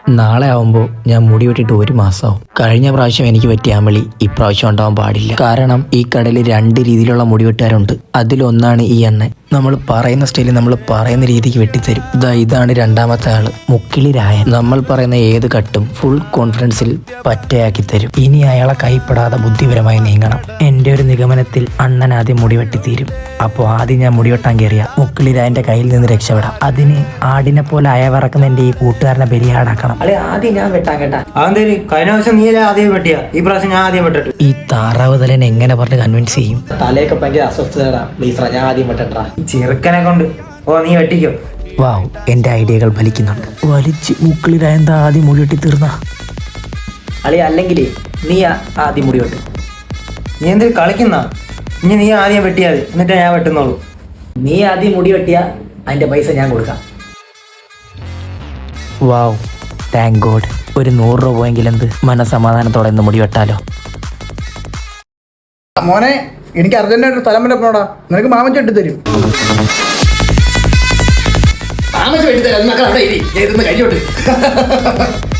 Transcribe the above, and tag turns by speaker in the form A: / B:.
A: നാളെ ആവുമ്പോൾ ഞാൻ മുടി വെട്ടിട്ട് 1 മാസമാവും. കഴിഞ്ഞ പ്രാവശ്യം എനിക്ക് പറ്റിയ അമളി ഇപ്രാവശ്യം ഉണ്ടാവാൻ പാടില്ല. കാരണം ഈ കടയിൽ 2 രീതിയിലുള്ള മുടിവെട്ടുകാരുണ്ട്. അതിലൊന്നാണ് ഈ അണ്ണൻ. നമ്മൾ പറയുന്ന സ്റ്റൈലിൽ നമ്മൾ പറയുന്ന രീതിക്ക് വെട്ടിത്തരും. ഇതാണ് രണ്ടാമത്തെ ആള്, മുക്കിളി രായൻ. നമ്മൾ പറയുന്ന ഏത് കട്ടും ഫുൾ കോൺഫിഡൻസിൽ പറ്റയാക്കി തരും. ഇനി അയാളെ കൈപ്പെടാതെ ബുദ്ധിപരമായി നീങ്ങണം. എൻ്റെ ഒരു നിഗമനത്തിൽ അണ്ണൻ ആദ്യം മുടി വെട്ടിത്തീരും. അപ്പോൾ ആദ്യം ഞാൻ മുടിവെട്ടാൻ കയറിയ മുക്കിളി രായന്റെ കയ്യിൽ നിന്ന് രക്ഷപ്പെടാം. അതിന് ആടിനെ പോലെ അയവിറക്കുന്ന എൻ്റെ ഈ കൂട്ടുകാരനെ ബലിയാടാക്കണം.
B: അല്ലെ ആദ്യം ഞാൻ വെട്ടാൻ കേട്ടാ. അതെന്തേലും കഴിഞ്ഞ പ്രാവശ്യം നീ ആദ്യം വെട്ടിയ, ഈ പ്രാവശ്യം ഞാൻ ആദ്യം വെട്ടിട്ടു.
A: ഈ താറാവ് തലേനെ എങ്ങനെ പറഞ്ഞ് കൺവിൻസ് ചെയ്യും?
B: തലയൊക്കെ ഭയങ്കര അസ്വസ്ഥതടാ. പ്ലീസ് ഞാൻ ആദ്യം വെട്ടണ്ടാ. ചെറുക്കനെ കൊണ്ട് നീ വെട്ടിക്കോ.
A: വാവ്, എൻ്റെ ഐഡിയകൾ ഫലിക്കുന്നുണ്ട്. വലിച്ച് മുക്കിളി രായൻ ആദ്യം മുടി വെട്ടി തീർന്ന
B: അളി. അല്ലെങ്കിൽ നീ ആദ്യം മുടി വെട്ട്. നീ എന്തിനു കളിക്കുന്ന? ഇനി നീ ആദ്യം വെട്ടിയാൽ എന്നിട്ട് ഞാൻ വെട്ടുന്നുള്ളൂ. നീ ആദ്യം മുടി വെട്ടിയാ അതിന്റെ പൈസ ഞാൻ കൊടുക്കാം.
A: Wow, thank God. ഒരു 100 രൂപ പോയെങ്കിൽ എന്ത് മനസമാധാനത്തോടെ ഇന്ന് മുടി വെട്ടാലോ.
C: മോനെ, എനിക്ക് അർജന്റായിട്ട് സ്ഥലം വരെ പോണോടാ. നിനക്ക് മാമൻ ചെട്ടി തരും. മാമൻ വെട്ടി തരാം. കഴിഞ്ഞോട്ട്